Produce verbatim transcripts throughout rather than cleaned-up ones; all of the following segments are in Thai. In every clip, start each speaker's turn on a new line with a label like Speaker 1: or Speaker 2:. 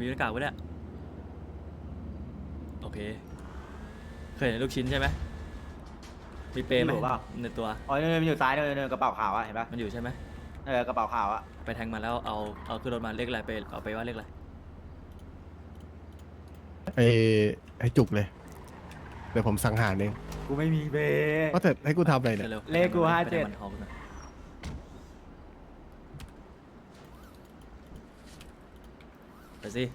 Speaker 1: มีหน้ากากไว้เนี่ยโอเคเคยเห็นลูกชิ้นใช่ไหมมีเปรย์ไหมในตัว
Speaker 2: อ๋อเนี่ยมันอยู่ซ้ายเนี่ยเนี่ยกระเป๋าขาวอะเห็นปะ
Speaker 1: มันอยู่ใช่ไหม
Speaker 2: เออกระเป๋าขาวอะ
Speaker 1: ไปแทงมาแล้วเอาเอาขึ้นรถมาเลขอะไรไปเอาไปว่าเลขอะไร
Speaker 3: ไอ้ไอ้จุกเลยเดี๋ยวผมสังหารเอง
Speaker 2: กูไม่มีเบ
Speaker 3: ว่าแต่ให้กูทำอะไรเนี่ย
Speaker 1: เร็ว
Speaker 2: เลขกูห้าเจ็ด
Speaker 1: ไปแทงมันเอาขึ้นมาไปสิ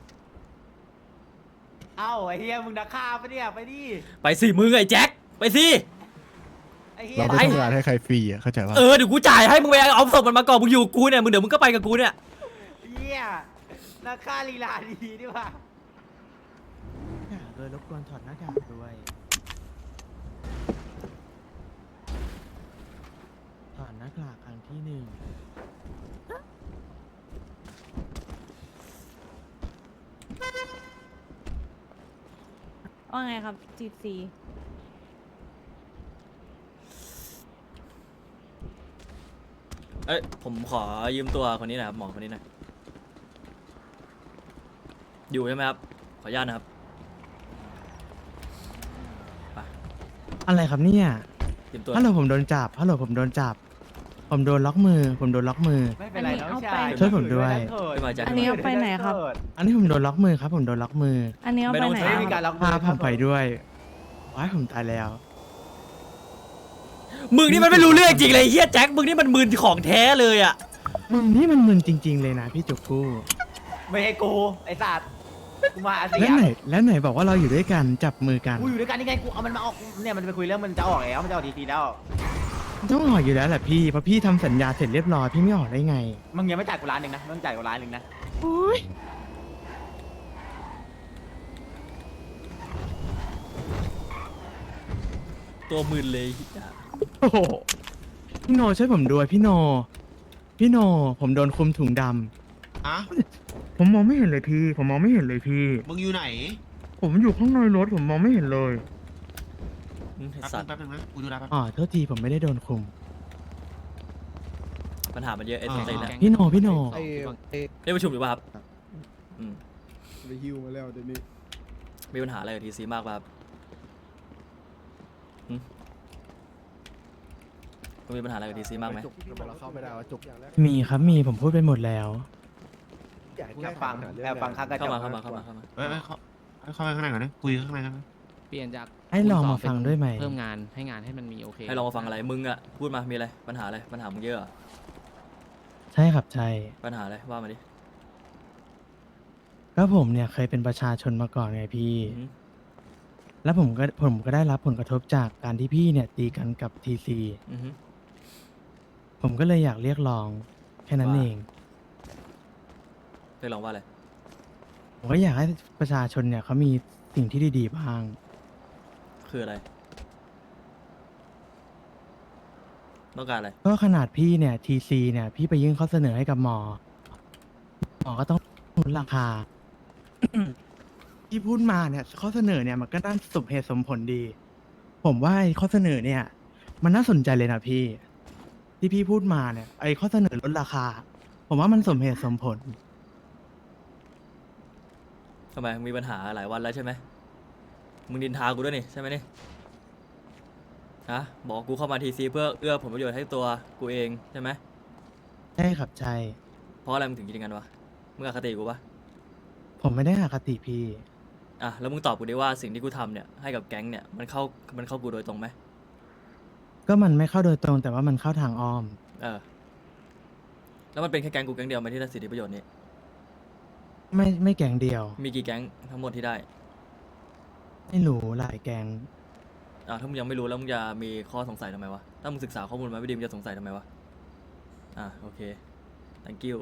Speaker 2: เอ้าไอ้เฮียมึงนักฆ่าปะเนี่ยไปดิ
Speaker 1: ไปสิมึงไอ้แจ็คไปสิ
Speaker 2: ไอ้เฮีย
Speaker 3: เราไม่ทำงานให้ใครฟรีอ่ะเข้าใจป่ะ
Speaker 1: เออเดี๋ยวกูจ่ายให้มึงไปเอาศพมันมาก่อนมึงอยู่กูเนี่ยมึงเดี๋ยวมึงก็ไปกับกูเนี่ย
Speaker 2: เฮียนักฆ่าลีลาดีดีว่ะ
Speaker 4: โดยรบกวนถอดหน้ากากด้วยถอดหน้ากากครั้งที่หนึ่ง
Speaker 5: ว่าไงครับจีบซี
Speaker 1: เอ้ยผมขอยืมตัวคนนี้หนะครับหมอคนนี้หน่อยอยู่ใช่ไหมครับขออนุญาตนะครับไป
Speaker 4: อะไรครับเนี่ย
Speaker 1: ยืมตัว
Speaker 4: ฮัลโหลผมโดนจับฮัลโหลผมโดนจับ ผมโดนล็อกมือ ผมโดนล็อกมือ
Speaker 2: ไม่เป็นไรน้องชาย
Speaker 4: ช่วยผมด้วย
Speaker 1: ขึ้นมาแจ็ค
Speaker 5: อันนี้เอาไปไหนครับ
Speaker 4: อันนี้ผมโดนล็อกมือครับ ผมโดนล็อกมือ
Speaker 5: อันนี้เอาไปไหน
Speaker 2: ไม่
Speaker 5: ค
Speaker 2: มี
Speaker 5: รับ
Speaker 2: การล็อก
Speaker 4: พาผมไปด้วยว้ายผมตายแล้ว
Speaker 1: มึงนี่มันไม่รู้เรื่องจริงเลยเฮียแจ็คมึงนี่มันมืนของแท้เลยอ่ะ
Speaker 4: มึงนี่มันมึนจริง ๆ เลยนะพี่จุกกู้
Speaker 2: ไม่ให้กูไอ้สัตว์กูมาอาเซี
Speaker 4: แล้
Speaker 2: ยว
Speaker 4: ไหนแล้วไหนบอกว่าเราอยู่ด้วยกันจับมือกัน
Speaker 2: กูอยู่ด้วยกันนี่ไงกูเอามันมาออกเนี่ยมันไปคุยเรื่องมันจะออกแล้วมันจะออกทีๆแล้ว
Speaker 4: ต้องออกอยู่แล้วแหละพี่เพราะพี่ทำสัญญาเสร็จเรียบร้อยพี่ไม่ออกได้ไง
Speaker 2: มึงยังไม่จ่ายกูล้านหนึ่งนะมึงจ่ายกูล้านหนึ่งนะ
Speaker 4: โอ้ย
Speaker 1: ตัวมืนเลยเหี้ย
Speaker 4: โอ้โหพี่โนช่วยผมด้วยพี่โน พี่โน ผมโดนคุมถุงดำ
Speaker 6: อะ
Speaker 4: ผมมองไม่เห็นเลยพี่ ผมมองไม่เห็นเลยพี่
Speaker 6: มึงอยู่ไหน
Speaker 4: ผมอยู่ข้างในรถผมมองไม่เห็นเลย
Speaker 1: อืมไอ้
Speaker 6: แป๊บ
Speaker 1: สั
Speaker 6: นึ
Speaker 1: ต
Speaker 6: ง
Speaker 1: ว์
Speaker 6: แป๊บนึงนะ กูดูแลแป๊บ
Speaker 4: อ๋อโทษทีผมไม่ได้โดนคุม
Speaker 1: ปัญหามันเยอะไอ้ตัวเต็งเนี่ย
Speaker 4: พี่โนพี่โน
Speaker 7: ไอ้ไอ้
Speaker 1: เรียกประชุมอยู่ป่ะครับอืม
Speaker 7: ไปฮิวมาแล้วเดี๋ยวนี้
Speaker 1: มีปัญหาอะไรกับทีซีมากป่ะครับหึคุณมีปัญหาอะไรกับทีซีมากไหม
Speaker 3: จุกทำไมเราเข้าไม่ได้วะจุก
Speaker 4: มีครับมีผมพูดไปหมดแล้ว
Speaker 2: แอบฟังแอบฟังข้างกระจ
Speaker 1: เข้าก มาเข้ามาเข้ามาเข้ามา
Speaker 6: เฮ้ยเฮ้ยเข้าเข้าไปข้างในก่อนนะ คุยข้างในกันนะ
Speaker 8: เปลี่ยนจาก
Speaker 4: ให้ลองมาฟังด้วยไหม
Speaker 8: เพิ่มงานให้งานให้มันมีโอเค
Speaker 1: ให้ลองมาฟังอะไรมึงอะพูดมามีอะไรปัญหาอะไรปัญหามึงเยอะเหรอ
Speaker 4: ใช่ครับใช่
Speaker 1: ปัญหาอะไรว่ามาดิ
Speaker 4: ก็ผมเนี่ยเคยเป็นประชาชนมาก่อนไงพี่
Speaker 1: อืม
Speaker 4: แล้วผมก็ผมก็ได้รับผลกระทบจากการที่พี่เนี่ยตีกันกับทีซี
Speaker 1: อือฮึ
Speaker 4: ผมก็เลยอยากเรียกร้องแค่นั้น
Speaker 1: ว่า
Speaker 4: เอง
Speaker 1: เรียกร้องว่าอะไร
Speaker 4: ผมก็อยากให้ประชาชนเนี่ยเขามีสิ่งที่ดีๆบ้าง
Speaker 1: คืออะไรต้องการอะไร
Speaker 4: ก็ขนาดพี่เนี่ยทีซีเนี่ยพี่ไปยื่นข้อเสนอให้กับหมอ หมอก็ต้องลดราคา ที่พูดมาเนี่ยข้อเสนอเนี่ยมันก็น่าสมเหตุสมผลดี ผมว่าไอ้ข้อเสนอเนี่ย มันน่าสนใจเลยนะพี่ ที่พี่พูดมาเนี่ยไอ้ข้อเสนอลดราคา ผมว่ามันสมเหตุสมผล
Speaker 1: ทำไมมีปัญหาหลายวันแล้วใช่ไหมมึงดินทากูด้วยนี่ใช่ไหมนี่ฮะบอกกูเข้ามาทีซีเพื่อเอื้อผลประโยชน์ให้ตัวกูเองใช่ไหม
Speaker 4: ใช่ครับใช่
Speaker 1: เพราะอะไรมึงถึงคิดอย่างนั้นวะมึงอคติกูปะ
Speaker 4: ผมไม่ได้อคติพี่
Speaker 1: อ่ะแล้วมึงตอบกูดิว่าสิ่งที่กูทำเนี่ยให้กับแก๊งเนี่ยมันเข้ามันเข้ากูโดยตรงไหม
Speaker 4: ก็มันไม่เข้าโดยตรง แต่ว่ามันเข้าทางอ้อม
Speaker 1: เออแล้วมันเป็นแค่แก๊งกูแก๊งเดียวไหมที่ได้สิทธิประโยชน์นี้
Speaker 4: ไม่ไม่แกงเดียว
Speaker 1: มีกี่แก๊งทั้งหมดที่ได้
Speaker 4: ไม่รู้หลายแกง
Speaker 1: อ่ะถ้ามึงยังไม่รู้แล้วมึงจะมีข้อสงสัยทำไมวะถ้ามึงศึกษาข้อมูลมาไม่ดีมึงจะสงสัยทำไมวะอ่ะโอเค thank you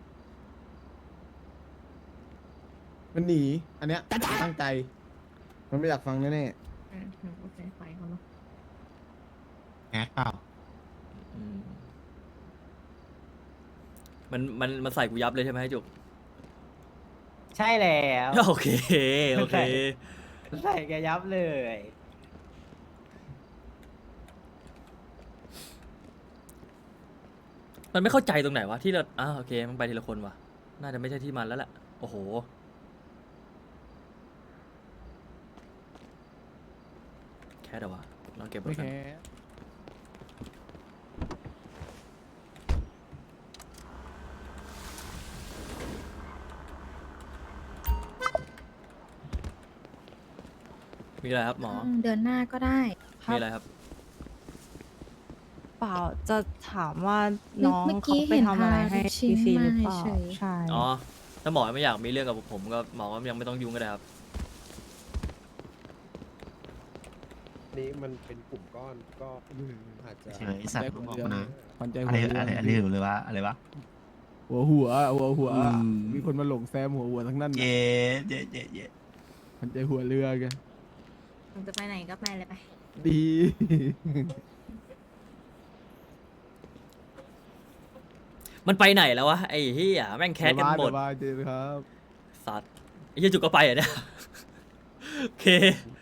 Speaker 7: มันหนี อันเนี้ยตั้งใจ มันไม่อยากฟังแน่
Speaker 5: โอเคไปเขาเนาะ
Speaker 6: แก๊สเปล่า
Speaker 1: อืมมันมันมันใส่กูยับเลยใช่ไหมให้จุก
Speaker 2: ใช่แล้ว
Speaker 1: โอเคโอเค
Speaker 2: ใส่แกยับเลย
Speaker 1: มันไม่เข้าใจตรงไหนวะที่เราอ่าโอเคมันไปทีละคนวะน่าจะไม่ใช่ที่มันแล้วแหละโอ้โหแคสเหรอวะเราเก็บไว้
Speaker 7: ไม่
Speaker 1: กัน
Speaker 7: แค่
Speaker 1: มีอะไรครับหมอ
Speaker 9: เดือนหน้าก็ได้
Speaker 5: ครับ
Speaker 1: มีอะไรครับ
Speaker 5: เปล่าจะถามว่าน้อง
Speaker 9: เมื่อ
Speaker 5: เขา
Speaker 9: กี้
Speaker 5: ไป
Speaker 9: เห็น
Speaker 5: ทำอะไรให้
Speaker 9: พาลูกชิ้
Speaker 5: ที
Speaker 9: น
Speaker 5: ซี
Speaker 9: มา
Speaker 5: หรือเปล่า
Speaker 9: เฉย
Speaker 5: ใช่
Speaker 1: อ๋อ ถ้าหมอไม่อยากมีเรื่องกับผมก็หมอก็ยังไม่ต้องยุ่งก็ได้ครับ
Speaker 10: นี้มันเป็นกลุ่มก้อนก็อาจจะ
Speaker 6: เฉยสัตว์มึงบอกมานะ
Speaker 7: ขวัญใจ
Speaker 6: อะ
Speaker 7: หั
Speaker 6: ไร
Speaker 7: วเรือ
Speaker 6: อะไรอะไรหรือว่าอะไรวะ
Speaker 7: หัวหัวหัวหัว
Speaker 6: อืม
Speaker 7: มีคนมาหลงแซมหัวหัวทั้งนั้น
Speaker 6: เย่เย่เย่เย่
Speaker 7: ขวัญใจหัวเรือแกัน
Speaker 9: มึงจะไปไหนก็ไปเลยไป
Speaker 7: ดี
Speaker 1: มันไปไหนแล้ววะไอ้เหี้ยแม่งแคสกันหมด
Speaker 7: เดี๋ยวมาเจอครับ
Speaker 1: สัตว์ไอ้เหี้ยจุกก็ไปอ่ะเนี่ย โอเค